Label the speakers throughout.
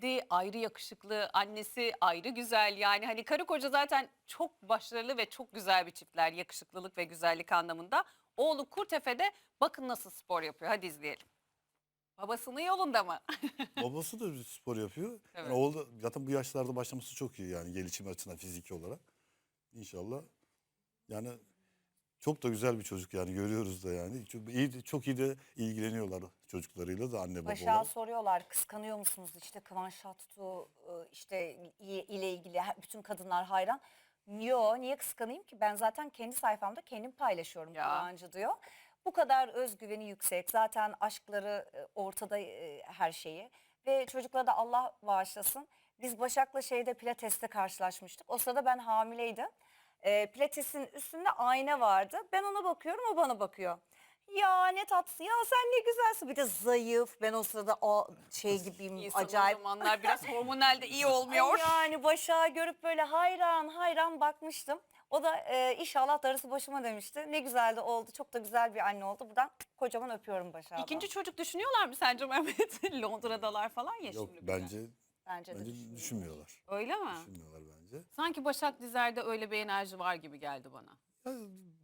Speaker 1: Dedi ayrı yakışıklı, annesi ayrı güzel. Yani hani karı koca zaten çok başarılı ve çok güzel bir çiftler yakışıklılık ve güzellik anlamında. Oğlu Kurtefe'de bakın nasıl spor yapıyor. Hadi izleyelim. Babasının yolunda mı?
Speaker 2: Babası da bir spor yapıyor. Yani
Speaker 1: Evet.
Speaker 2: oğlu zaten bu yaşlarda başlaması çok iyi yani gelişim açısından fiziki olarak. İnşallah. Yani çok da güzel bir çocuk yani görüyoruz da yani. Çok iyi de ilgileniyorlar çocuklarıyla da anne baba
Speaker 3: Başak'a
Speaker 2: olarak.
Speaker 3: soruyorlar kıskanıyor musunuz işte Kıvanç Tatlıtuğ işte ile ilgili bütün kadınlar hayran. Yo niye kıskanayım ki ben zaten kendi sayfamda kendim paylaşıyorum
Speaker 1: Ya.
Speaker 3: Kıvancı diyor. Bu kadar özgüveni yüksek zaten aşkları ortada her şeyi ve çocuklara da Allah bağışlasın. Biz Başak'la Pilates'te karşılaşmıştık o sırada ben hamileydim. Pilates'in üstünde ayna vardı ben ona bakıyorum o bana bakıyor. Ya ne tatlısı ya sen ne güzelsin bir de zayıf ben o sırada o gibiyim
Speaker 1: İnsan
Speaker 3: acayip.
Speaker 1: o zamanlar biraz hormonal de iyi olmuyor.
Speaker 3: Yani Başak'ı görüp böyle hayran hayran bakmıştım. O da inşallah darısı başıma demişti. Ne güzel de oldu çok da güzel bir anne oldu. Buradan kocaman öpüyorum Başak'ı.
Speaker 1: İkinci çocuk düşünüyorlar mı sence Mehmet? Londra'dalar falan ya
Speaker 2: Yok
Speaker 1: şimdi. bir de.
Speaker 3: Bence de
Speaker 2: bence
Speaker 3: düşünüyorum.
Speaker 2: düşünmüyorlar.
Speaker 1: Öyle mi?
Speaker 2: Düşünmüyorlar bence.
Speaker 1: Sanki Başak Dizer'de öyle bir enerji var gibi geldi bana.
Speaker 2: Ya,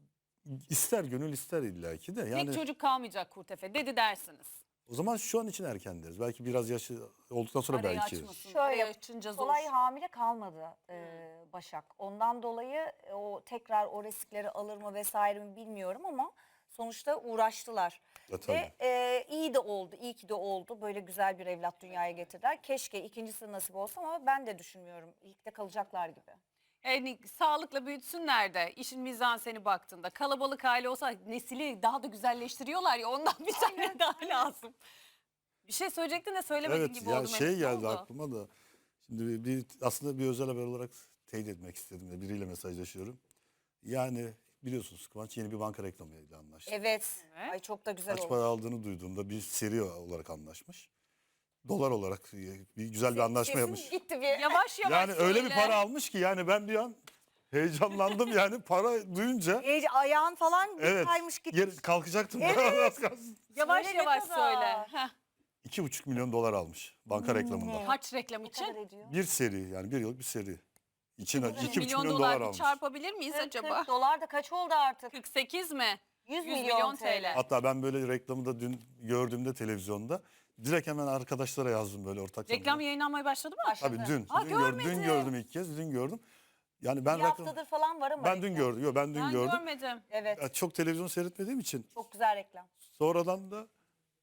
Speaker 2: ister gönül ister illaki de yani
Speaker 1: Tek çocuk kalmayacak Kurtefe dedi dersiniz.
Speaker 2: o zaman şu an için erken deriz. Belki biraz yaşı olduktan sonra
Speaker 1: Arayı
Speaker 2: belki.
Speaker 1: açmasın.
Speaker 3: Şöyle,
Speaker 1: Arayı açınca zor.
Speaker 3: kolay hamile kalmadı Başak. Ondan dolayı o tekrar o riskleri alır mı vesaire mi bilmiyorum ama sonuçta uğraştılar.
Speaker 2: Tabii.
Speaker 3: Ve iyi de oldu, iyi ki de oldu. Böyle güzel bir evlat dünyaya getirdiler. Keşke ikincisi nasip olsa ama ben de düşünmüyorum. İlk de kalacaklar gibi.
Speaker 1: Yani sağlıkla büyütsünler de işin mizanseni baktığında kalabalık aile olsa nesili daha da güzelleştiriyorlar ya ondan bir tane daha lazım. Bir şey söyleyecektin de söylemediğin
Speaker 2: Evet
Speaker 1: gibi
Speaker 2: ya
Speaker 1: oldu.
Speaker 2: şey
Speaker 1: Mehmet, ne
Speaker 2: geldi
Speaker 1: oldu?
Speaker 2: aklıma da. Şimdi aslında bir özel haber olarak teyit etmek istedim de biriyle mesajlaşıyorum. Yani biliyorsunuz Kıvanç yeni bir banka reklamıyla anlaştı.
Speaker 3: Evet.
Speaker 1: Evet.
Speaker 3: Ay çok da güzel
Speaker 2: Kaç
Speaker 3: oldu.
Speaker 2: para aldığını duyduğumda bir seri olarak anlaşmış. Dolar olarak bir güzel bir anlaşma
Speaker 3: Sesim
Speaker 2: yapmış.
Speaker 3: gitti bir.
Speaker 1: Yavaş yavaş
Speaker 2: Yani öyle bir
Speaker 1: söyle.
Speaker 2: para almış ki yani ben bir an heyecanlandım yani para duyunca.
Speaker 3: Ayağın falan bir
Speaker 2: Evet.
Speaker 3: kaymış gitmiş.
Speaker 2: Kalkacaktım.
Speaker 3: Evet.
Speaker 2: Az kalsın.
Speaker 1: Yavaş
Speaker 3: Söyle ne
Speaker 1: yavaş
Speaker 3: kadar?
Speaker 1: söyle. Heh.
Speaker 2: 2,5 milyon dolar almış banka reklamında.
Speaker 1: Kaç reklam
Speaker 3: Ne kadar
Speaker 1: için?
Speaker 3: ediyor?
Speaker 2: Bir seri yani bir yıllık bir seri. İçine 2,5
Speaker 1: milyon
Speaker 2: milyon
Speaker 1: dolar
Speaker 2: dolar
Speaker 1: bir
Speaker 2: almış.
Speaker 1: çarpabilir miyiz
Speaker 3: 40
Speaker 1: acaba?
Speaker 3: dolar da kaç oldu artık?
Speaker 1: 48 mi?
Speaker 3: 100
Speaker 1: 100
Speaker 3: milyon TL.
Speaker 2: Hatta ben böyle reklamı da dün gördüğümde televizyonda direkt hemen arkadaşlara yazdım böyle ortak.
Speaker 1: Reklam yayınlanmaya başladı mı?
Speaker 3: Başladı.
Speaker 2: Tabii dün.
Speaker 1: Aa,
Speaker 2: Dün
Speaker 1: görmedim.
Speaker 2: gördüm ilk kez. Dün gördüm. Yani ben
Speaker 3: Bir haftadır falan var ama
Speaker 2: ben dün
Speaker 3: reklam.
Speaker 2: gördüm. Yok ben dün
Speaker 1: Ben
Speaker 2: gördüm.
Speaker 1: görmedim.
Speaker 3: Evet.
Speaker 2: Ya çok televizyon seyretmediğim için
Speaker 3: Çok güzel reklam.
Speaker 2: sonradan da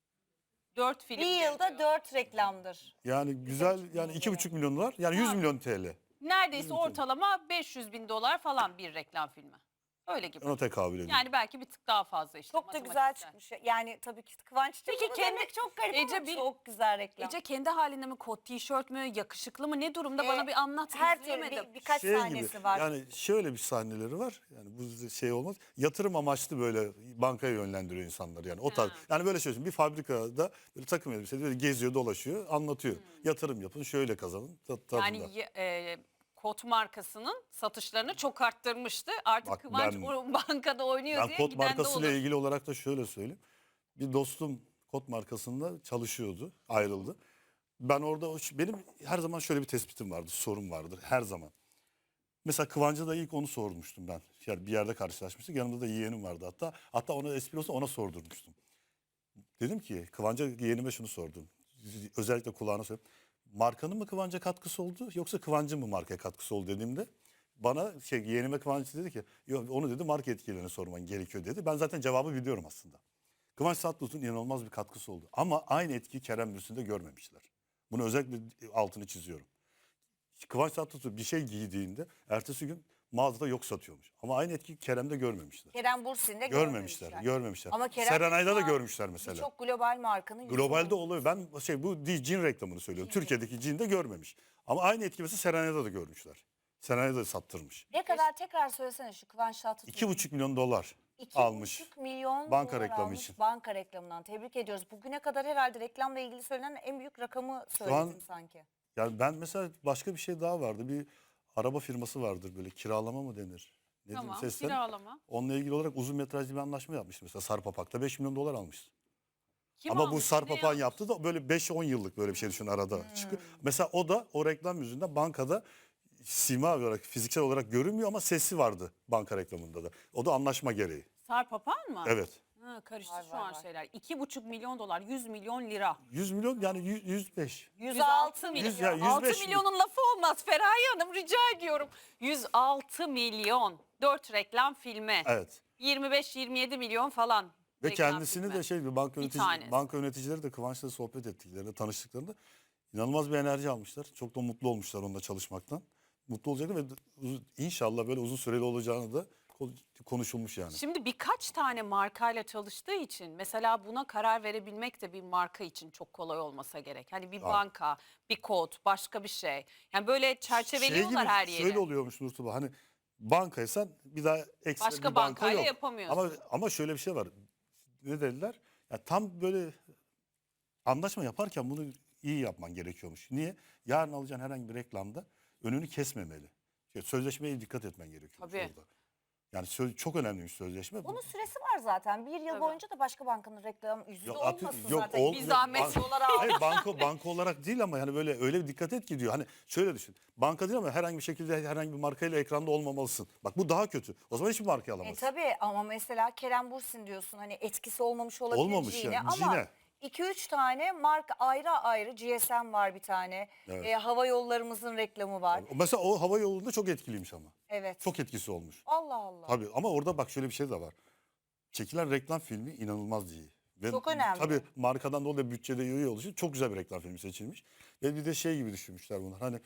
Speaker 1: 4 film.
Speaker 3: Bir yılda
Speaker 1: geliyor.
Speaker 3: 4 reklamdır.
Speaker 2: yani güzel yani 2,5 milyon dolar yani 100 milyon TL.
Speaker 1: Neredeyse ortalama 500 bin dolar falan bir reklam filmi. Öyle gibi.
Speaker 2: Ona tekabül ediyor.
Speaker 1: Yani belki bir tık daha fazla işte.
Speaker 3: Çok da güzel
Speaker 1: matematiksel.
Speaker 3: çıkmış. Yani tabii ki Kıvanç
Speaker 1: Peki
Speaker 3: Peki
Speaker 1: kendi-
Speaker 3: demek çok garip
Speaker 1: Ece
Speaker 3: ama
Speaker 1: bir-
Speaker 3: çok güzel reklam.
Speaker 1: Ece kendi halinde mi kot tişört mü yakışıklı mı ne durumda bana bir anlat
Speaker 3: Her türlü
Speaker 1: izleyemedim.
Speaker 3: birkaç sahnesi var.
Speaker 2: Yani şöyle bir sahneleri var. Yani bu şey olmaz. Yatırım amaçlı böyle bankaya yönlendiriyor insanları yani. O tarz. Yani böyle şey bir fabrikada böyle takım elbiseli böyle geziyor, dolaşıyor, anlatıyor. Yatırım yapın, şöyle kazanın. Tadında.
Speaker 1: Yani kot markasının satışlarını çok arttırmıştı. Artık
Speaker 2: Bak
Speaker 1: Kıvanç
Speaker 2: ben-
Speaker 1: o bankada oynuyor
Speaker 2: Ben
Speaker 1: diye
Speaker 2: kot
Speaker 1: giden de
Speaker 2: markasıyla
Speaker 1: olur.
Speaker 2: ilgili olarak da şöyle söyleyeyim. Bir dostum kot markasında çalışıyordu, ayrıldı. Ben orada benim her zaman şöyle bir tespitim vardı, sorum vardır her zaman. Mesela Kıvancı da ilk onu sormuştum ben. Yani bir yerde karşılaşmıştık. Yanımda da yeğenim vardı hatta. Hatta ona espri olsa ona sordurmuştum. Dedim ki Kıvanç'a yeğenime şunu sordum. Özellikle kulağına söyledim. Markanın mı Kıvanç'a katkısı oldu yoksa Kıvanç'ın mı markaya katkısı oldu dediğimde bana yeğenime Kıvanç dedi ki yok onu dedi marka etkilerini sorman gerekiyor dedi. Ben zaten cevabı biliyorum aslında. Kıvanç Tatlıtuğ'un inanılmaz bir katkısı oldu. Ama aynı etkiyi Kerem Bürsin'de görmemişler. Bunu özellikle altını çiziyorum. Kıvanç Tatlıtuğ bir şey giydiğinde ertesi gün mağazada yok satıyormuş. Ama aynı etkiyi Kerem'de görmemişler.
Speaker 3: Kerem Bürsin'de
Speaker 2: Görmemişler.
Speaker 3: Ama Kerem
Speaker 2: Serenay'da da
Speaker 3: Bürsin
Speaker 2: görmüşler mesela.
Speaker 3: Çok global markanın yüzü
Speaker 2: Globalde
Speaker 3: olmuş.
Speaker 2: oluyor. Ben bu cin reklamını söylüyorum. Türkiye'deki cin de görmemiş. Ama aynı etki mesela Serenay'da da görmüşler. Serenay'da da sattırmış.
Speaker 3: Ne kadar tekrar söylesene şu Kıvanç Tatlıtuğ.
Speaker 2: 2,5 milyon dolar
Speaker 3: 2,5
Speaker 2: almış.
Speaker 3: milyon
Speaker 2: Banka
Speaker 3: dolar
Speaker 2: reklamı
Speaker 3: almış
Speaker 2: için.
Speaker 3: banka reklamından. Tebrik ediyoruz. Bugüne kadar herhalde reklamla ilgili söylenen en büyük rakamı
Speaker 2: Şu
Speaker 3: söyledin
Speaker 2: an
Speaker 3: sanki.
Speaker 2: yani ben mesela başka bir şey daha vardı. Bir araba firması vardır böyle kiralama mı denir? Ne diyeyim,
Speaker 1: Tamam
Speaker 2: seslen.
Speaker 1: kiralama.
Speaker 2: Onunla ilgili olarak uzun metrajlı bir anlaşma yapmıştı mesela Sarp Apak'ta 5 milyon dolar almış.
Speaker 1: Kim
Speaker 2: Ama bu
Speaker 1: almış,
Speaker 2: Sarp
Speaker 1: ne
Speaker 2: Apan
Speaker 1: yapmış?
Speaker 2: yaptı da böyle 5-10 yıllık böyle bir şey düşün arada çıkıyor. Mesela o da o reklam yüzünden bankada sima olarak fiziksel olarak görünmüyor ama sesi vardı banka reklamında da. O da anlaşma gereği.
Speaker 1: Sarp Apan mı?
Speaker 2: Evet.
Speaker 1: Ha, karıştı
Speaker 3: Var,
Speaker 1: şu
Speaker 3: var,
Speaker 1: an
Speaker 3: var.
Speaker 1: şeyler. 2,5 milyon dolar, 100 milyon lira.
Speaker 2: 100 milyon yani 105.
Speaker 3: 106
Speaker 1: milyon.
Speaker 2: 100 ya,
Speaker 1: 6
Speaker 2: 105
Speaker 1: milyonun lafı olmaz Feraye Hanım, rica ediyorum. 106 milyon. 4 reklam filmi.
Speaker 2: Evet.
Speaker 1: 25-27 milyon falan.
Speaker 2: Ve
Speaker 1: reklam
Speaker 2: kendisini
Speaker 1: filmi.
Speaker 2: de şey bir
Speaker 1: tanesi.
Speaker 2: banka yöneticileri de Kıvanç'la sohbet ettiklerinde, tanıştıklarında inanılmaz bir enerji almışlar. Çok da mutlu olmuşlar onunla çalışmaktan. Mutlu olacaklar ve inşallah böyle uzun süreli olacağını da konuşulmuş yani.
Speaker 1: Şimdi birkaç tane markayla çalıştığı için mesela buna karar verebilmek de bir marka için çok kolay olmasa gerek. Hani bir banka, bir kod, başka bir şey. Yani böyle çerçeveliyorlar her yeri.
Speaker 2: Şöyle oluyormuş Nurtuba, hani bankaysan bir daha ekstra
Speaker 1: Başka
Speaker 2: bir banka
Speaker 1: bankayla
Speaker 2: yok.
Speaker 1: yapamıyorsun.
Speaker 2: Ama şöyle bir şey var. Ne dediler? Ya tam böyle anlaşma yaparken bunu iyi yapman gerekiyormuş. Niye? Yarın alacağın herhangi bir reklamda önünü kesmemeli. Sözleşmeye dikkat etmen gerekiyormuş
Speaker 1: Tabii.
Speaker 2: orada. Yani çok önemliymiş sözleşme.
Speaker 3: Bunun süresi var zaten. Bir yıl
Speaker 1: Tabii.
Speaker 3: boyunca da başka bankanın reklam yüzü de
Speaker 2: Atı-
Speaker 3: olmasın
Speaker 2: yok,
Speaker 3: zaten.
Speaker 1: Bir zahmet
Speaker 3: dolar al.
Speaker 2: Hayır banka olarak değil ama yani böyle öyle bir dikkat et ki diyor. Hani şöyle düşün. Banka değil ama herhangi bir şekilde herhangi bir markayla ekranda olmamalısın. Bak bu daha kötü. O zaman hiçbir markayı alamazsın.
Speaker 3: Tabii ama mesela Kerem Bürsin diyorsun, hani etkisi olmamış olabilir
Speaker 2: Olmamış
Speaker 3: Cine
Speaker 2: yani,
Speaker 3: ama
Speaker 2: Cine.
Speaker 3: 2-3 tane marka ayrı ayrı, GSM var bir tane.
Speaker 2: Evet.
Speaker 3: Hava yollarımızın reklamı var.
Speaker 2: Mesela o hava yolunda çok etkiliymiş ama.
Speaker 3: Evet.
Speaker 2: Çok etkisi olmuş.
Speaker 3: Allah Allah.
Speaker 2: Tabii ama orada bak şöyle bir şey de var. Çekilen reklam filmi inanılmaz iyi. Ve
Speaker 3: Çok önemli.
Speaker 2: Tabii markadan dolayı bütçede iyi olduğu için çok güzel bir reklam filmi seçilmiş. Ve bir de şey gibi düşünmüşler bunlar. Hani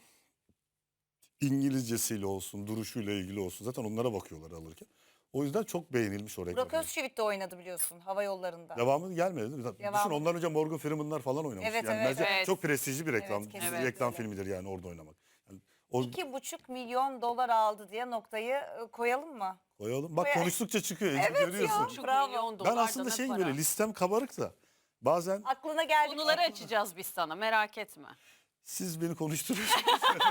Speaker 2: İngilizcesiyle olsun, duruşuyla ilgili olsun. Zaten onlara bakıyorlar alırken. O yüzden çok beğenilmiş o reklam
Speaker 3: Burak
Speaker 2: filmi.
Speaker 3: Özçivit de oynadı biliyorsun hava yollarında.
Speaker 2: Devamı gelmedi değil mi? Düşün
Speaker 3: Devamı.
Speaker 2: ondan önce Morgan Freeman'lar falan oynamış.
Speaker 3: Evet,
Speaker 2: yani
Speaker 3: evet,
Speaker 2: bence
Speaker 1: evet.
Speaker 2: çok prestijli bir reklam,
Speaker 3: Evet, kesinlikle
Speaker 2: reklam
Speaker 3: öyle.
Speaker 2: filmidir yani orada oynamak. Yani o
Speaker 3: 2,5 milyon dolar aldı diye noktayı koyalım mı?
Speaker 2: koyalım. Bak
Speaker 3: Koy-
Speaker 2: konuştukça çıkıyor.
Speaker 3: Evet ya.
Speaker 2: görüyorsun.
Speaker 1: 1,5
Speaker 3: Bravo.
Speaker 1: milyon
Speaker 2: Ben
Speaker 1: dolar
Speaker 2: aslında
Speaker 1: da ne
Speaker 2: şey
Speaker 1: para.
Speaker 2: böyle listem kabarık da bazen
Speaker 3: Aklına geldi.
Speaker 1: Konuları açacağız biz sana, merak etme.
Speaker 2: siz beni konuşturuyorsunuz.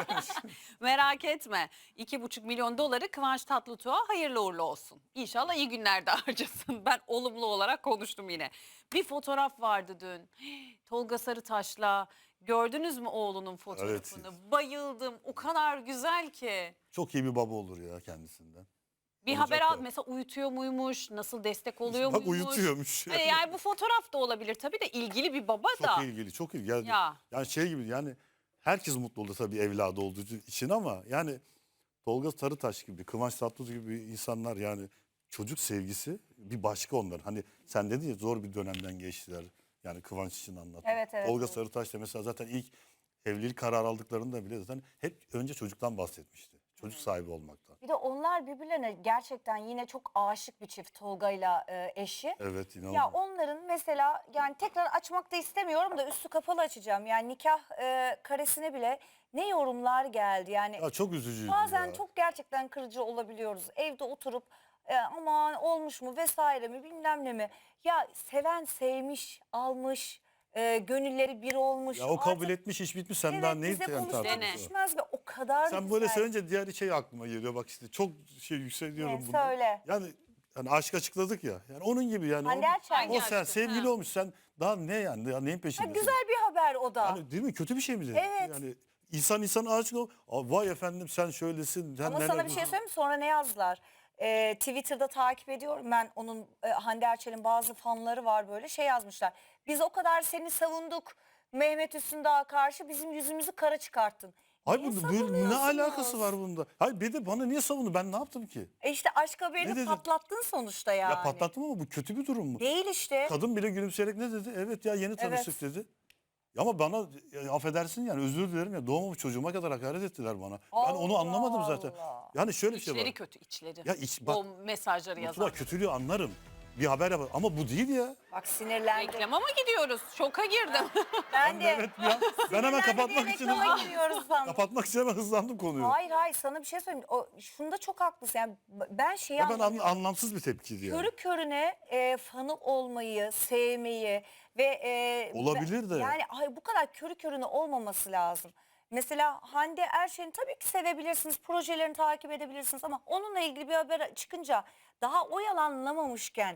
Speaker 1: Merak etme. 2,5 milyon doları Kıvanç Tatlıtuğ'a hayırlı uğurlu olsun. İnşallah iyi günlerde harcasın. Ben olumlu olarak konuştum yine. Bir fotoğraf vardı dün. Tolga Sarıtaş'la. Gördünüz mü oğlunun fotoğrafını? Bayıldım. O kadar güzel ki.
Speaker 2: Çok iyi bir baba olur ya kendisinden.
Speaker 1: Bir
Speaker 2: Olacak
Speaker 1: haber
Speaker 2: da.
Speaker 1: al mesela, uyutuyor muymuş? Nasıl destek oluyor
Speaker 2: Bak
Speaker 1: muymuş?
Speaker 2: uyutuyormuş.
Speaker 1: Yani bu fotoğraf da olabilir tabii de, ilgili bir baba
Speaker 2: Çok
Speaker 1: da.
Speaker 2: ilgili, çok ilgili. Yani,
Speaker 1: Ya.
Speaker 2: yani şey gibi yani herkes mutlu olur tabii evladı olduğu için ama yani Tolga Sarıtaş gibi, Kıvanç Tatlıtuğ gibi insanlar yani çocuk sevgisi bir başka onlar. Hani sen dedin ya zor bir dönemden geçtiler. Yani Kıvanç için anlattım.
Speaker 3: Evet, evet,
Speaker 2: Tolga
Speaker 3: evet.
Speaker 2: Sarıtaş da mesela zaten ilk evlilik kararı aldıklarında bile zaten hep önce çocuktan bahsetmişti. Çocuk sahibi olmaktan.
Speaker 3: Bir de onlar birbirlerine gerçekten yine çok aşık bir çift, Tolga'yla eşi.
Speaker 2: Evet inanılmaz.
Speaker 3: Ya onların mesela, yani tekrar açmak da istemiyorum da üstü kapalı açacağım. Yani nikah karesine bile ne yorumlar geldi. Yani
Speaker 2: Ya çok üzücüydü
Speaker 3: bazen
Speaker 2: ya.
Speaker 3: çok gerçekten kırıcı olabiliyoruz. Evde oturup aman olmuş mu vesaire mi bilmem ne mi. Ya seven sevmiş, almış, gönülleri bir olmuş.
Speaker 2: Ya o kabul
Speaker 3: Artık
Speaker 2: etmiş iş bitmiş sen
Speaker 3: evet,
Speaker 2: daha neyi
Speaker 3: bize
Speaker 2: yani
Speaker 3: konuşmak
Speaker 2: tartışıyorsun?
Speaker 3: düşmez ve o kadar
Speaker 2: Sen
Speaker 3: güzel.
Speaker 2: böyle söyleyince diğer şey aklıma geliyor bak işte çok şey yükseliyorum
Speaker 3: Ne,
Speaker 2: bunda.
Speaker 3: söyle.
Speaker 2: Yani aşk açıkladık ya. Yani onun gibi yani.
Speaker 3: Hande Erçel.
Speaker 1: Hangi
Speaker 2: O sen
Speaker 1: aşkı?
Speaker 2: sevgili
Speaker 1: Ha.
Speaker 2: olmuş sen daha ne yani ya neyin
Speaker 3: Ha,
Speaker 2: peşindesin?
Speaker 3: güzel bir haber o da.
Speaker 2: Yani değil mi kötü bir şey mi?
Speaker 3: Evet.
Speaker 2: Yani insan aşık ol. Aa, vay efendim sen şöylesin. Sen
Speaker 3: Ama
Speaker 2: neler
Speaker 3: sana bir şey
Speaker 2: diyorsun?
Speaker 3: söyleyeyim mi? Sonra ne yazdılar? Twitter'da takip ediyorum ben onun, Hande Erçel'in bazı fanları var, böyle şey yazmışlar. Biz o kadar seni savunduk Mehmet Üstündağ'a karşı, bizim yüzümüzü kara çıkarttın.
Speaker 2: Hayır
Speaker 3: Niye
Speaker 2: ne
Speaker 3: savunuyorsunuz?
Speaker 2: alakası var bunda? Hayır bir de bana niye savundu? Ben ne yaptım ki?
Speaker 3: İşte aşk
Speaker 2: Ne
Speaker 3: haberini
Speaker 2: dedi?
Speaker 3: patlattın sonuçta yani.
Speaker 2: Ya patlattım ama bu kötü bir durum mu?
Speaker 3: Değil işte.
Speaker 2: Kadın bile gülümseyerek ne dedi? Evet ya yeni tanıştık
Speaker 3: Evet.
Speaker 2: dedi. Ya ama bana affedersin yani özür dilerim ya doğmamış çocuğuma kadar hakaret ettiler bana. Ben onu
Speaker 3: Allah
Speaker 2: anlamadım zaten.
Speaker 3: Allah.
Speaker 2: Yani şöyle bir şey
Speaker 1: İçleri
Speaker 2: var.
Speaker 1: kötü, içleri.
Speaker 2: Ya bak,
Speaker 1: O mesajları
Speaker 2: Mutlu
Speaker 1: yazan.
Speaker 2: kötülüğü anlarım. Bir haber yapar ama bu değil ya.
Speaker 3: Bak sinirlendim.
Speaker 1: Reklama mı gidiyoruz? Şoka girdim.
Speaker 3: Ben de.
Speaker 2: Evet ya. Ben hemen
Speaker 3: Sinirlendi diye
Speaker 2: kapatmak için
Speaker 3: reklama giriyoruz sandım.
Speaker 2: kapatmak için hemen hızlandım konuyu.
Speaker 3: Hayır hayır, sana bir şey söyleyeyim. Şunda çok haklısın. Yani ben şeyi
Speaker 2: Ya ben
Speaker 3: anlamıyorum.
Speaker 2: anlamsız bir tepkiydi yani.
Speaker 3: Körü körüne fanı olmayı, sevmeyi ve
Speaker 2: Olabilir de.
Speaker 3: yani ay, bu kadar körü körüne olmaması lazım. Mesela Hande Erçel'i tabii ki sevebilirsiniz, projelerini takip edebilirsiniz ama onunla ilgili bir haber çıkınca daha oyalanamamışken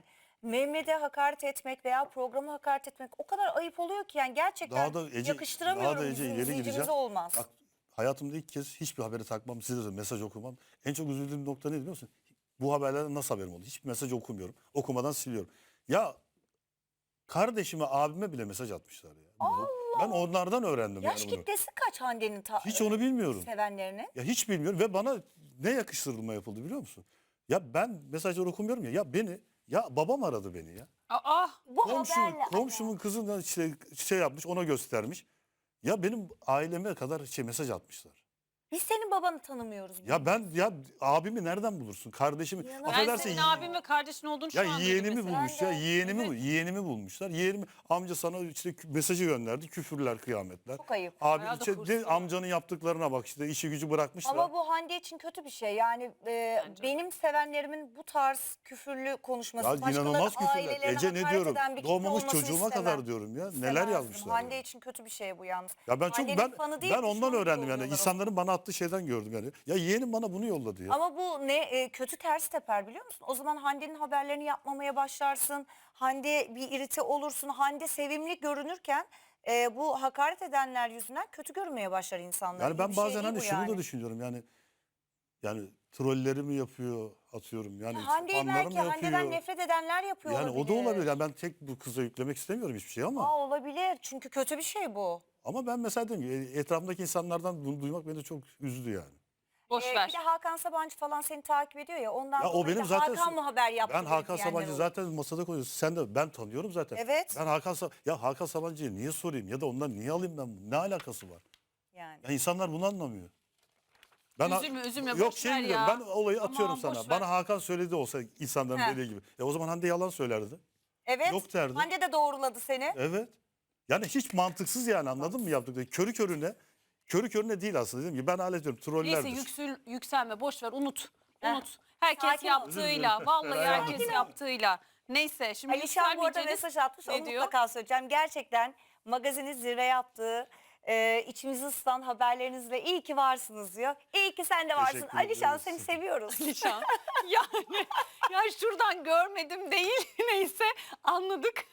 Speaker 3: Mehmet'e hakaret etmek veya programa hakaret etmek o kadar ayıp oluyor ki yani gerçekten
Speaker 2: Daha da Ece,
Speaker 3: yakıştıramıyorum
Speaker 2: daha da Ece
Speaker 3: bizim
Speaker 2: ileri
Speaker 3: izleyicimize
Speaker 2: gideceğim.
Speaker 3: olmaz.
Speaker 2: Bak, hayatımda ilk kez hiçbir habere takmam, size de mesaj okumam. En çok üzüldüğüm nokta ne biliyor musun? Bu haberlerden nasıl haberim oldu? Hiçbir mesaj okumuyorum. Okumadan siliyorum. Ya kardeşime, abime bile mesaj atmışlar ya. Ben onlardan öğrendim
Speaker 3: Yaş
Speaker 2: yani bunu.
Speaker 3: kitlesi kaç Hande'nin
Speaker 2: Hiç onu bilmiyorum.
Speaker 3: sevenlerinin?
Speaker 2: Ya hiç bilmiyorum ve bana ne yakıştırılma yapıldı biliyor musun? Ya ben mesajları okumuyorum ya. Ya babam aradı beni ya.
Speaker 1: Aa,
Speaker 3: Bu haberle
Speaker 2: Komşumun kızından şey yapmış, ona göstermiş. Ya benim aileme kadar mesaj atmışlar.
Speaker 3: biz senin babanı tanımıyoruz.
Speaker 2: Ya abimi nereden bulursun? Kardeşimi.
Speaker 3: İnanamıyorum.
Speaker 1: ben
Speaker 2: Affedersin,
Speaker 1: senin abin ve kardeşin olduğunu şu
Speaker 2: ya
Speaker 1: an duydum
Speaker 2: yeğenimi
Speaker 1: mesela.
Speaker 2: bulmuş
Speaker 3: Ben
Speaker 2: ya.
Speaker 3: de.
Speaker 2: Yeğenimi bulmuşlar. Yeğenimi, amca sana işte mesajı gönderdi. Küfürler, kıyametler.
Speaker 3: Çok ayıp.
Speaker 2: Abi
Speaker 1: Bayağı da
Speaker 2: işte
Speaker 1: hırslı.
Speaker 2: amcanın yaptıklarına bak, işte işi gücü bırakmışlar.
Speaker 3: Ama bu Hande için kötü bir şey. Yani
Speaker 1: Bence.
Speaker 3: benim sevenlerimin bu tarz küfürlü konuşması,
Speaker 2: Ya
Speaker 3: başkalarının
Speaker 2: inanılmaz küfürler.
Speaker 3: ailelerine
Speaker 2: Ece ne
Speaker 3: hakaret
Speaker 2: diyorum?
Speaker 3: eden bir kitle
Speaker 2: Doğmamış
Speaker 3: olmasını
Speaker 2: çocuğuma
Speaker 3: istemem.
Speaker 2: kadar diyorum ya. Neler
Speaker 3: İstemezdim.
Speaker 2: yazmışlar.
Speaker 3: Hande
Speaker 2: ya.
Speaker 3: için kötü bir şey bu yalnız.
Speaker 2: Ya ben çok
Speaker 3: Hande'nin fanı değil
Speaker 2: ben
Speaker 3: ki,
Speaker 2: ondan
Speaker 3: şunu
Speaker 2: öğrendim yani.
Speaker 3: yolluyorlar
Speaker 2: İnsanların bana attığı şeyden gördüm yani. Ya yeğenim bana bunu yolladı ya.
Speaker 3: Ama bu ne kötü ters teper biliyor musun? O zaman Hande'nin haberlerini yapmamaya başlarsın. Hande bir irite olursun. Hande sevimli görünürken bu hakaret edenler yüzünden kötü görünmeye başlar insanlar.
Speaker 2: Yani
Speaker 3: İyi
Speaker 2: ben
Speaker 3: bir şey
Speaker 2: bazen
Speaker 3: değil
Speaker 2: hani
Speaker 3: bu
Speaker 2: şunu
Speaker 3: yani.
Speaker 2: da düşünüyorum yani trolleri mi yapıyor, atıyorum yani
Speaker 3: Hande'yi
Speaker 2: fanları
Speaker 3: belki
Speaker 2: mı yapıyor?
Speaker 3: Hande'den nefret edenler yapıyor
Speaker 2: Yani
Speaker 3: olabilir.
Speaker 2: o da olabilir. Yani ben tek bu kıza yüklemek istemiyorum hiçbir şey ama
Speaker 3: Olabilir çünkü kötü bir şey bu.
Speaker 2: ben mesela dedim ki etrafımdaki insanlardan bunu duymak beni çok üzdü yani.
Speaker 1: Boş
Speaker 3: Bir
Speaker 1: ver.
Speaker 3: de Hakan Sabancı falan seni takip ediyor ya ondan
Speaker 2: Ya o
Speaker 3: dolayı
Speaker 2: benim
Speaker 3: da
Speaker 2: zaten
Speaker 3: Hakan mı haber yaptı
Speaker 2: ben Hakan
Speaker 3: diyenler
Speaker 2: Sabancı
Speaker 3: olur.
Speaker 2: zaten masada koyuyoruz. Sen de, ben tanıyorum zaten.
Speaker 3: Evet.
Speaker 2: Ben Hakan Sabancı'ya niye sorayım ya da ondan niye alayım ben bunu? Ne alakası var?
Speaker 3: Yani.
Speaker 2: Ya insanlar bunu anlamıyor.
Speaker 1: Üzülme,
Speaker 2: Yok
Speaker 1: boş
Speaker 2: şey
Speaker 1: ver
Speaker 2: biliyorum,
Speaker 1: ya.
Speaker 2: ben olayı
Speaker 1: Aman,
Speaker 2: atıyorum
Speaker 1: boş
Speaker 2: sana.
Speaker 1: ver.
Speaker 2: Bana Hakan söyledi olsa insanların
Speaker 3: Heh.
Speaker 2: dediği gibi. O zaman Hande yalan söylerdi.
Speaker 3: Evet.
Speaker 2: Yok derdi.
Speaker 3: Hande de doğruladı seni.
Speaker 2: Evet. Yani hiç mantıksız yani, anladın mı yaptıkları? Körü körüne değil aslında, dedim ki ben hala diyorum trollerdir.
Speaker 1: Neyse yükselme, boş ver, unut.
Speaker 3: Heh.
Speaker 1: Unut. Herkes
Speaker 3: Sakin ol.
Speaker 1: yaptığıyla,
Speaker 2: Özür dilerim.
Speaker 1: vallahi
Speaker 2: Feraye
Speaker 1: herkes
Speaker 2: Hanım.
Speaker 1: yaptığıyla. Neyse şimdi
Speaker 3: Alişan bu arada
Speaker 1: yükselmeyeceğiniz
Speaker 3: mesaj atmış.
Speaker 1: ne
Speaker 3: Onu
Speaker 1: diyor?
Speaker 3: mutlaka söyleyeceğim. Gerçekten magazinin zirve yaptığı, içimizi ısıtan haberlerinizle iyi ki varsınız diyor. İyi ki sen de varsın.
Speaker 2: Teşekkür
Speaker 3: Alişan
Speaker 2: ederiz.
Speaker 3: seni seviyoruz.
Speaker 1: Alişan. Yani ya şuradan görmedim değil. Neyse anladık.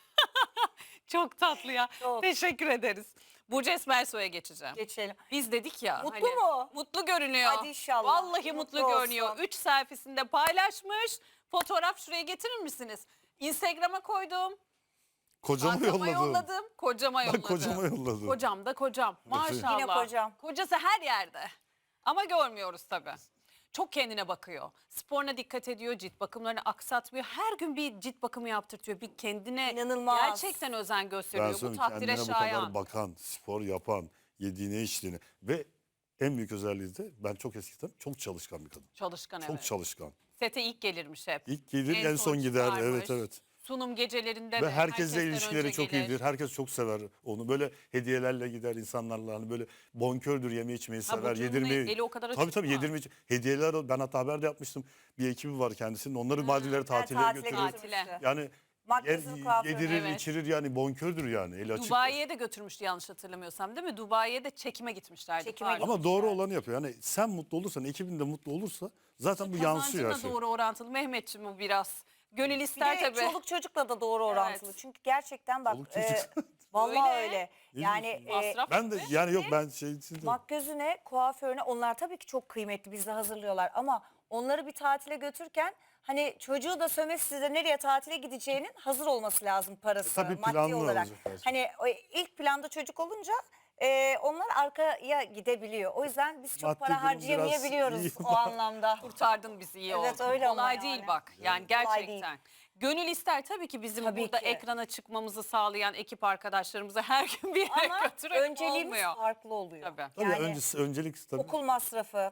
Speaker 1: Çok tatlı ya.
Speaker 3: Çok.
Speaker 1: Teşekkür ederiz. Burcu Esmersoy'a geçeceğim.
Speaker 3: Geçelim.
Speaker 1: Biz dedik ya.
Speaker 3: Mutlu mu?
Speaker 1: Mutlu görünüyor.
Speaker 3: Hadi inşallah.
Speaker 1: Vallahi
Speaker 3: Mutlu
Speaker 1: mutlu görünüyor.
Speaker 3: olsun.
Speaker 1: 3 selfiesinde paylaşmış. Fotoğraf şuraya getirir misiniz? Instagram'a koydum.
Speaker 2: Kocama
Speaker 1: Bankama
Speaker 2: yolladım.
Speaker 1: yolladım. Kocama
Speaker 2: Ben
Speaker 1: yolladım.
Speaker 2: kocama yolladım.
Speaker 1: Kocam da kocam. Maşallah.
Speaker 3: Yine kocam.
Speaker 1: Kocası her yerde. Ama görmüyoruz tabii. Çok kendine bakıyor. Sporuna dikkat ediyor. Cilt bakımlarını aksatmıyor. Her gün bir cilt bakımı yaptırtıyor. Bir kendine
Speaker 3: İnanılmaz.
Speaker 1: gerçekten özen
Speaker 2: Ben
Speaker 1: gösteriyor. Bu
Speaker 2: söyleyeyim,
Speaker 1: takdire
Speaker 2: kendine bu
Speaker 1: şayan.
Speaker 2: kadar bakan, spor yapan, yediğine içtiğine ve en büyük özelliği de ben çok eskiden çok çalışkan bir kadın.
Speaker 1: Çalışkan
Speaker 2: Çok
Speaker 1: evet.
Speaker 2: çalışkan.
Speaker 1: Sete ilk gelirmiş hep.
Speaker 2: İlk gelir en son gider.
Speaker 1: çıkarmış.
Speaker 2: Evet evet.
Speaker 1: Sunum gecelerinde
Speaker 2: Ve
Speaker 1: de
Speaker 2: herkesle
Speaker 1: herkesten
Speaker 2: ilişkileri
Speaker 1: önce
Speaker 2: çok
Speaker 1: gelir.
Speaker 2: iyidir. Herkes çok sever onu. Böyle hediyelerle gider insanlarla. Hani böyle bonkördür, yeme içmeyi sever.
Speaker 1: Burcu'nun
Speaker 2: Yedirmeyi.
Speaker 1: eli o kadar
Speaker 2: Tabii
Speaker 1: açık
Speaker 2: tabii
Speaker 1: mı?
Speaker 2: yedirmeyi. Hediyeler, ben hatta haber de yapmıştım. Bir ekibi var kendisinin. Onları Maldivlere tatile
Speaker 3: tatile
Speaker 2: götürür.
Speaker 1: Tatile.
Speaker 2: Yani
Speaker 3: Makyajını, kuaförünü.
Speaker 2: yedirir,
Speaker 1: Evet.
Speaker 2: içirir yani, bonkördür yani. Eli açık.
Speaker 1: Dubai'ye de götürmüştü yanlış hatırlamıyorsam değil mi? Dubai'ye de çekime gitmişlerdi.
Speaker 3: Çekime
Speaker 1: pardon.
Speaker 2: Ama doğru olanı yapıyor. Yani sen mutlu olursan, ekibin de mutlu olursa zaten bu yansıyor her
Speaker 1: Kazancına
Speaker 2: şey.
Speaker 1: doğru orantılı. Mehmetciğim bu biraz. Gönül
Speaker 3: Bir
Speaker 1: ister
Speaker 3: de
Speaker 1: tabii.
Speaker 3: çoluk çocukla da doğru orantılı.
Speaker 1: Evet.
Speaker 3: Çünkü gerçekten bak
Speaker 2: Çoluk çocuk.
Speaker 3: vallahi
Speaker 1: Öyle.
Speaker 3: öyle.
Speaker 2: Ne
Speaker 3: Yani
Speaker 2: diyorsun?
Speaker 1: Masraf
Speaker 2: Ben de
Speaker 1: tabii.
Speaker 2: yani yok ben şey için de-
Speaker 3: makyözüne, kuaförüne onlar tabii ki çok kıymetli bizde hazırlıyorlar ama onları bir tatile götürürken hani çocuğu da sömestr size nereye tatile gideceğinin hazır olması lazım parası
Speaker 2: Tabii
Speaker 3: maddi
Speaker 2: planlı
Speaker 3: olarak.
Speaker 2: olacak her şey.
Speaker 3: Hani ilk planda çocuk olunca onlar arkaya gidebiliyor. O yüzden biz çok
Speaker 2: Maddi
Speaker 3: para
Speaker 2: durum biraz
Speaker 3: harcayamayabiliyoruz
Speaker 2: iyi.
Speaker 3: o anlamda.
Speaker 1: Kurtardın bizi iyi
Speaker 3: Evet,
Speaker 1: oldu.
Speaker 3: öyle ama
Speaker 1: Kolay
Speaker 3: yani.
Speaker 1: değil bak. Yani
Speaker 3: Kolay değil.
Speaker 1: gerçekten. Gönül ister tabii ki bizim
Speaker 3: Tabii
Speaker 1: burada
Speaker 3: ki.
Speaker 1: ekrana çıkmamızı sağlayan ekip arkadaşlarımızı her gün bir yere
Speaker 3: Ama
Speaker 1: götürmek
Speaker 3: önceliğimiz
Speaker 1: olmuyor.
Speaker 3: farklı oluyor.
Speaker 1: Tabii.
Speaker 2: Tabii
Speaker 3: Yani
Speaker 2: öncelik tabii.
Speaker 3: okul masrafı,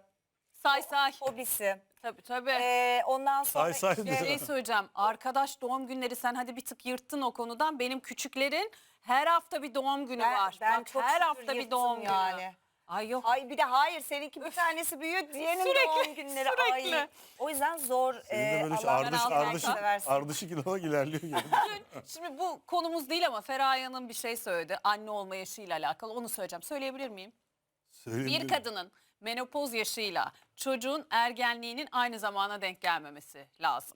Speaker 1: Say.
Speaker 3: hobisi,
Speaker 1: Tabii.
Speaker 3: ondan sonra
Speaker 2: Say
Speaker 3: işte-
Speaker 2: diyor.
Speaker 1: Şey söyleyeceğim. Arkadaş doğum günleri sen hadi bir tık yırttın o konudan. Benim küçüklerin her hafta bir doğum günü var.
Speaker 3: Ben
Speaker 1: Bak
Speaker 3: çok
Speaker 1: her
Speaker 3: şükür
Speaker 1: hafta bir
Speaker 3: yırttım
Speaker 1: doğum
Speaker 3: yani.
Speaker 1: günü. Ay yok.
Speaker 3: Ay bir de hayır seninki bir tanesi büyüyor diğerinin
Speaker 1: Sürekli,
Speaker 3: doğum günleri.
Speaker 1: sürekli.
Speaker 3: Ay. O yüzden zor.
Speaker 2: Senin de böyle
Speaker 3: Allah
Speaker 1: ardışık-
Speaker 2: ardışık ilamak ilerliyor yani.
Speaker 1: Şimdi bu konumuz değil ama Feraye Hanım bir şey söyledi. Anne olma yaşıyla alakalı. Onu söyleyeceğim. Söyleyebilir miyim? Bir kadının menopoz yaşıyla çocuğun ergenliğinin aynı zamana denk gelmemesi lazım.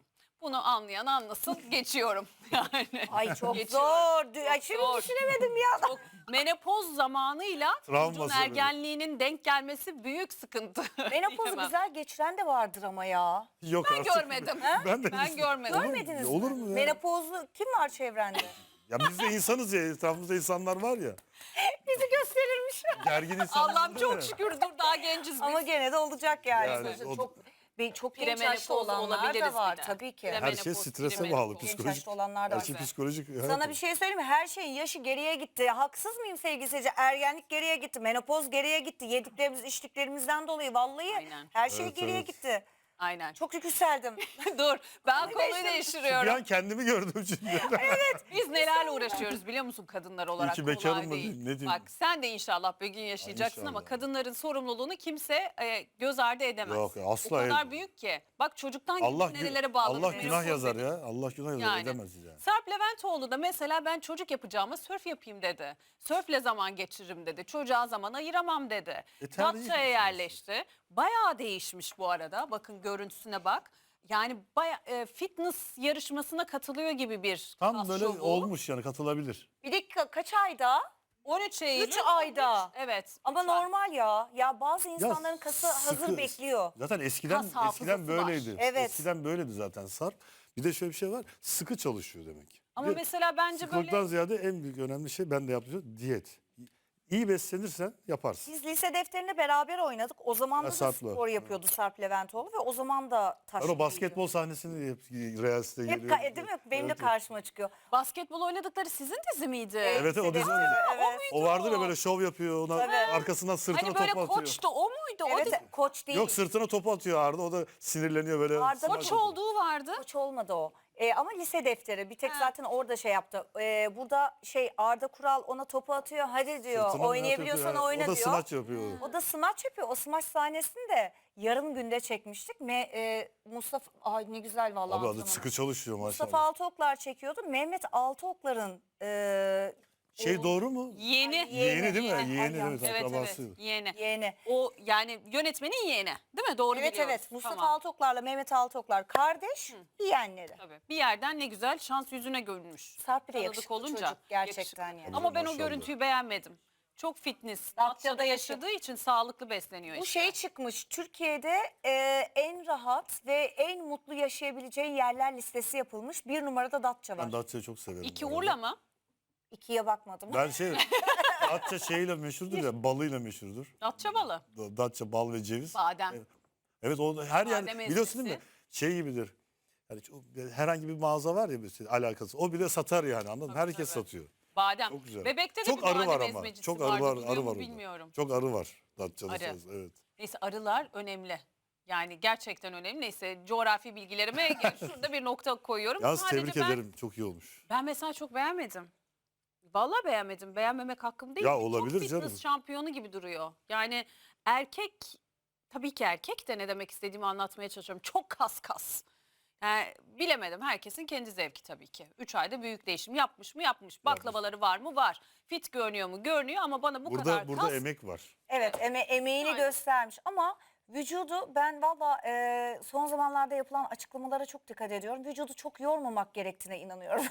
Speaker 1: Bunu anlayan anlasın. Geçiyorum. Yani.
Speaker 3: Ay çok
Speaker 1: Geçiyorum.
Speaker 3: zor. Ay,
Speaker 1: Çok
Speaker 3: şimdi
Speaker 1: zor.
Speaker 3: düşünemedim ya.
Speaker 1: Çok menopoz zamanıyla
Speaker 2: Travması
Speaker 1: çocuğun
Speaker 2: böyle.
Speaker 1: ergenliğinin denk gelmesi büyük sıkıntı.
Speaker 3: Menopozu
Speaker 1: Diyemem.
Speaker 3: güzel geçiren de vardır ama ya.
Speaker 2: Yok
Speaker 1: Ben
Speaker 2: artık.
Speaker 1: görmedim.
Speaker 2: Ben de
Speaker 1: Ben görmedim.
Speaker 3: Görmediniz
Speaker 2: Olur
Speaker 3: mi?
Speaker 2: mu ya?
Speaker 3: Menopozlu kim var çevrende?
Speaker 2: Ya biz de insanız ya, etrafımızda insanlar var ya.
Speaker 3: Bizi gösterirmiş.
Speaker 2: Gergin insanlar.
Speaker 1: Allah'ım
Speaker 2: değil
Speaker 1: çok
Speaker 2: mi?
Speaker 1: şükür dur daha genciz biz.
Speaker 3: Ama gene de olacak yani.
Speaker 2: Yani
Speaker 3: Sonuçta
Speaker 2: o-
Speaker 3: çok genç yaşta
Speaker 1: Premenopoz
Speaker 3: olanlar da
Speaker 1: olabiliriz
Speaker 3: var
Speaker 1: bir de.
Speaker 3: tabii ki.
Speaker 1: Premenopoz,
Speaker 2: Her şey strese
Speaker 1: premenopoz.
Speaker 2: bağlı.
Speaker 3: Genç
Speaker 2: Psikolojik.
Speaker 3: yaşta olanlar da
Speaker 2: Her
Speaker 3: var.
Speaker 2: şey psikolojik.
Speaker 3: Sana bir şey söyleyeyim mi? Her şeyin yaşı geriye gitti. Haksız mıyım sevgili seyirci? Ergenlik geriye gitti. Menopoz geriye gitti. Yediklerimiz, içtiklerimizden dolayı vallahi
Speaker 1: Aynen.
Speaker 3: her şey
Speaker 2: Evet,
Speaker 3: geriye
Speaker 2: evet.
Speaker 3: gitti.
Speaker 1: Aynen.
Speaker 3: Çok yükseldim.
Speaker 1: Dur ben konuyu
Speaker 3: değiştirdim.
Speaker 2: Bir
Speaker 1: değiştiriyorum.
Speaker 2: an kendimi gördüm şimdi.
Speaker 1: Biz nelerle uğraşıyoruz biliyor musun kadınlar olarak?
Speaker 2: ki bekarım
Speaker 1: Kolay
Speaker 2: mı
Speaker 1: değil.
Speaker 2: diyeyim, ne diyeyim?
Speaker 1: Bak sen de inşallah bir gün yaşayacaksın ama
Speaker 2: inşallah.
Speaker 1: kadınların sorumluluğunu kimse göz ardı edemez.
Speaker 2: Yok, asla
Speaker 1: O kadar
Speaker 2: edemez.
Speaker 1: büyük ki. Bak çocuktan
Speaker 2: Allah
Speaker 1: nerelere bağlı.
Speaker 2: Allah günah yazar ya. Allah günah yazar,
Speaker 1: Yani.
Speaker 2: edemez yani.
Speaker 1: Sarp Leventoğlu da mesela ben çocuk yapacağıma sörf yapayım dedi. Sörfle zaman geçiririm dedi. Çocuğa zaman ayıramam dedi.
Speaker 2: tercih
Speaker 1: Datça'ya
Speaker 2: meselesi.
Speaker 1: yerleşti. Bayağı değişmiş bu arada. Bakın görüntüsüne bak. Yani bayağı fitness yarışmasına katılıyor gibi bir
Speaker 2: Tam
Speaker 1: kas
Speaker 2: böyle
Speaker 1: şovu.
Speaker 2: olmuş yani, katılabilir.
Speaker 3: Bir de kaç ayda?
Speaker 1: 13 Eylül.
Speaker 3: 3 ayda.
Speaker 1: Evet.
Speaker 3: Ama
Speaker 1: 3 ay.
Speaker 3: normal ya. Ya bazı insanların kası hazır
Speaker 2: sıkı-
Speaker 3: bekliyor.
Speaker 2: Zaten eskiden
Speaker 1: Kas hafızası
Speaker 2: böyleydi.
Speaker 1: var.
Speaker 3: Evet.
Speaker 2: Eskiden böyleydi zaten Sarp. Bir de şöyle bir şey var. Sıkı çalışıyor demek.
Speaker 1: Ama
Speaker 2: Bir de
Speaker 1: mesela bence
Speaker 2: sıkılıktan
Speaker 1: böyle
Speaker 2: ziyade en büyük önemli şey, ben de yaptığım diyet. İyi beslenirsen yaparsın.
Speaker 3: Biz lise defterinde beraber oynadık. O zaman da
Speaker 2: Sarp'la.
Speaker 3: spor yapıyordu Sarp Leventoğlu ve o zaman da taş.
Speaker 2: Ben o basketbol sahnesini hep Reels'te
Speaker 3: hep
Speaker 2: görüyorum.
Speaker 3: değil mi? Benim de
Speaker 2: Evet,
Speaker 3: karşıma çıkıyor.
Speaker 1: basketbol oynadıkları sizin dizi miydi?
Speaker 2: Evet, o
Speaker 3: Lise
Speaker 2: dizi.
Speaker 3: defteri, evet.
Speaker 2: O vardır ya, böyle şov yapıyor, ona
Speaker 3: Evet.
Speaker 2: arkasından sırtına
Speaker 1: Hani böyle
Speaker 2: topu atıyor.
Speaker 1: koçtu o muydu? O
Speaker 3: Evet,
Speaker 1: dizi-
Speaker 3: koç değil.
Speaker 2: Yok, sırtına topu atıyor Arda, o da sinirleniyor böyle.
Speaker 3: Arda
Speaker 2: smaç
Speaker 1: Koç
Speaker 2: atıyor.
Speaker 1: olduğu vardı.
Speaker 3: Koç olmadı o. Ama lise defteri bir tek
Speaker 1: Ha.
Speaker 3: zaten orada şey yaptı. Burada Arda Kural ona topu atıyor. Hadi diyor.
Speaker 2: Sırtına
Speaker 3: oynayabiliyorsan
Speaker 2: atıyor.
Speaker 3: oyna
Speaker 2: O da
Speaker 3: diyor.
Speaker 2: smaç yapıyor.
Speaker 3: O da smaç yapıyor. O smaç sahnesini de yarım günde çekmiştik. Mustafa ay ne güzel vallahi.
Speaker 2: Abi adı
Speaker 3: hatırlamadım.
Speaker 2: sıkı çalışıyor
Speaker 3: Mustafa
Speaker 2: maşallah.
Speaker 3: Altıoklar çekiyordu. Mehmet Altıoklar'ın
Speaker 2: Şey
Speaker 3: oğlu-
Speaker 2: doğru mu?
Speaker 1: Yeğeni.
Speaker 2: Yeğeni değil mi?
Speaker 3: Yeğeni.
Speaker 2: Yeğeni,
Speaker 3: Ay,
Speaker 2: evet,
Speaker 1: Evet evet
Speaker 2: akrabası.
Speaker 1: yeğeni.
Speaker 3: yeğeni.
Speaker 1: O yani yönetmenin yeğeni değil mi? Doğru
Speaker 3: Evet
Speaker 1: biliyoruz.
Speaker 3: evet Mustafa
Speaker 1: Tamam.
Speaker 3: Altıoklar'la Mehmet Altıoklar kardeş, yeğenleri.
Speaker 1: Tabii. Bir yerden ne güzel şans yüzüne görünmüş.
Speaker 3: Sarp bir de
Speaker 1: Tanıdık
Speaker 3: yakışıklı
Speaker 1: olunca.
Speaker 3: çocuk gerçekten
Speaker 1: yakışıklı.
Speaker 3: yani.
Speaker 1: Ama ben o
Speaker 2: Maşallah.
Speaker 1: görüntüyü beğenmedim. Çok fitness.
Speaker 3: Datça'da
Speaker 1: Datça'da yaşadığı için sağlıklı besleniyor
Speaker 3: Bu
Speaker 1: işte.
Speaker 3: şey çıkmış Türkiye'de en rahat ve en mutlu yaşayabileceği yerler listesi yapılmış. Bir numarada Datça var.
Speaker 2: Ben Datça'yı çok severim.
Speaker 1: İki
Speaker 2: bu arada.
Speaker 1: Urla mı?
Speaker 3: İkiye bakmadım.
Speaker 2: Ben Datça şeyle meşhurdur ya, balıyla meşhurdur.
Speaker 1: Datça balı.
Speaker 2: Datça bal ve ceviz.
Speaker 1: Badem.
Speaker 2: Evet, o her yer
Speaker 1: Badem
Speaker 2: biliyorsun değil mi?
Speaker 1: ezmesi.
Speaker 2: Şey gibidir. Yani herhangi bir mağaza var ya, mesela alakası. O bile satar yani, anladın mı? Herkes
Speaker 1: tabii.
Speaker 2: satıyor.
Speaker 1: Badem.
Speaker 2: Çok güzel.
Speaker 1: Bebekte de
Speaker 2: Çok
Speaker 1: bir
Speaker 2: arı
Speaker 1: badem
Speaker 2: var ama.
Speaker 1: ezmecisi
Speaker 2: Çok
Speaker 1: vardı.
Speaker 2: arı var,
Speaker 1: Biliyor
Speaker 2: arı
Speaker 1: mu
Speaker 2: var orada.
Speaker 1: bilmiyorum.
Speaker 2: Çok arı var Datça'da.
Speaker 1: Arı.
Speaker 2: Evet.
Speaker 1: Neyse arılar önemli. Yani gerçekten önemli. Neyse coğrafi bilgilerime şurada bir nokta koyuyorum.
Speaker 2: Yalnız
Speaker 1: Sadece
Speaker 2: tebrik
Speaker 1: ben,
Speaker 2: ederim. Çok iyi olmuş.
Speaker 1: Ben mesela çok beğenmedim. Vallahi beğenmedim. Beğenmemek hakkım değil.
Speaker 2: Ya
Speaker 1: Çok
Speaker 2: olabilir
Speaker 1: fitness
Speaker 2: canım.
Speaker 1: şampiyonu gibi duruyor. Yani erkek, tabii ki erkek de ne demek istediğimi anlatmaya çalışıyorum. Çok kas. Yani bilemedim. Herkesin kendi zevki tabii ki. 3 ayda büyük değişim yapmış mı? Yapmış. Baklavaları var mı? Var. Fit görünüyor mu? Görünüyor ama bana bu kadar
Speaker 2: Burada
Speaker 1: kas.
Speaker 2: emek var.
Speaker 3: Evet emeğini
Speaker 1: Yani.
Speaker 3: göstermiş ama vücudu ben valla son zamanlarda yapılan açıklamalara çok dikkat ediyorum. Vücudu çok yormamak gerektiğine inanıyorum.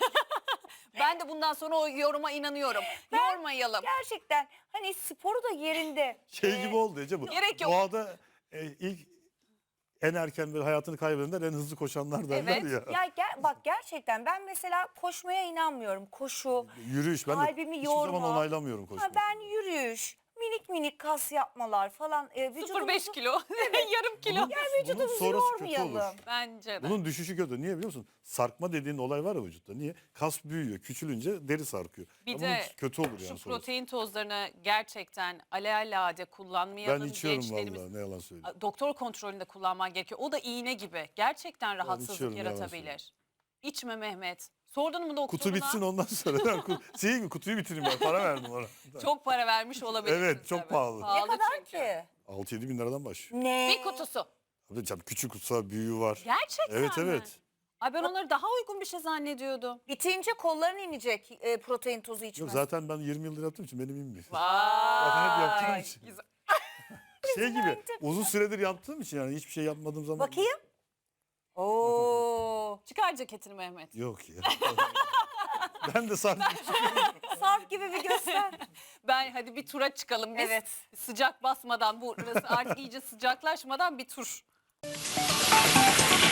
Speaker 1: Ben de bundan sonra o yoruma inanıyorum. Yormayalım.
Speaker 3: Gerçekten hani sporu da yerinde.
Speaker 2: Şey gibi oldu Ece bu.
Speaker 1: Gerek yok.
Speaker 2: Doğada ilk en erken böyle hayatını kaybedenler en hızlı koşanlar derler
Speaker 1: Evet.
Speaker 2: ya.
Speaker 3: Bak gerçekten ben mesela koşmaya inanmıyorum. Koşu,
Speaker 2: Yürüyüş, ben de
Speaker 3: kalbimi
Speaker 2: hiçbir
Speaker 3: yorma.
Speaker 2: zaman onaylamıyorum koşmayı.
Speaker 3: ben yürüyüş, minik kas yapmalar falan.
Speaker 1: 0,5 kilo. Yarım kilo.
Speaker 2: Bunun
Speaker 3: vücudumuzu
Speaker 2: sonrası kötü olur.
Speaker 3: yormayalım.
Speaker 1: Bence de.
Speaker 2: Bunun düşüşü kötü. Niye biliyor musun? Sarkma dediğin olay var ya vücutta. Niye? Kas büyüyor. Küçülünce deri sarkıyor.
Speaker 1: Bir
Speaker 2: Ya
Speaker 1: de
Speaker 2: bunun kötü olur
Speaker 1: Şu
Speaker 2: yani sonrası.
Speaker 1: protein tozlarını gerçekten alelade kullanmayalım.
Speaker 2: Ben içiyorum
Speaker 1: Gençlerimiz
Speaker 2: vallahi, ne yalan söyleyeyim.
Speaker 1: doktor kontrolünde kullanman gerekiyor. O da iğne gibi. Gerçekten rahatsızlık
Speaker 2: içiyorum, yalan
Speaker 1: yaratabilir. İçme Mehmet. Sordun mu doktoruna?
Speaker 2: Kutu bitsin ondan sonra. Şey mi, kutuyu bitireyim ben. Para verdim ona.
Speaker 1: Çok para vermiş olabilirsin.
Speaker 2: Evet, çok
Speaker 1: tabii.
Speaker 2: pahalı.
Speaker 3: Ne kadar
Speaker 1: çünkü.
Speaker 3: ki?
Speaker 2: 6-7 bin liradan başlıyor.
Speaker 3: Ne?
Speaker 1: Bir kutusu.
Speaker 2: Tabii canım, küçük kutusu, büyüğü var.
Speaker 1: Gerçekten
Speaker 2: Evet,
Speaker 1: mi?
Speaker 2: evet.
Speaker 1: Ay ben onları daha uygun bir şey zannediyordum.
Speaker 3: Bitince kolların inecek protein tozu
Speaker 2: Yok,
Speaker 3: içmez.
Speaker 2: zaten ben 20 yıldır yaptığım için benim inmiyor.
Speaker 1: Vay.
Speaker 2: hep yaptığım için.
Speaker 1: Güzel.
Speaker 2: Şey gibi uzun süredir yaptığım için, yani hiçbir şey yapmadığım zaman.
Speaker 3: Bakayım. Oo.
Speaker 1: Çıkar ceketini Mehmet.
Speaker 2: Yok ya. Ben de sandım.
Speaker 3: Sarp gibi bir göster.
Speaker 1: Ben hadi bir tura çıkalım biz.
Speaker 3: Evet.
Speaker 1: Sıcak basmadan, burası artık iyice sıcaklaşmadan bir tur.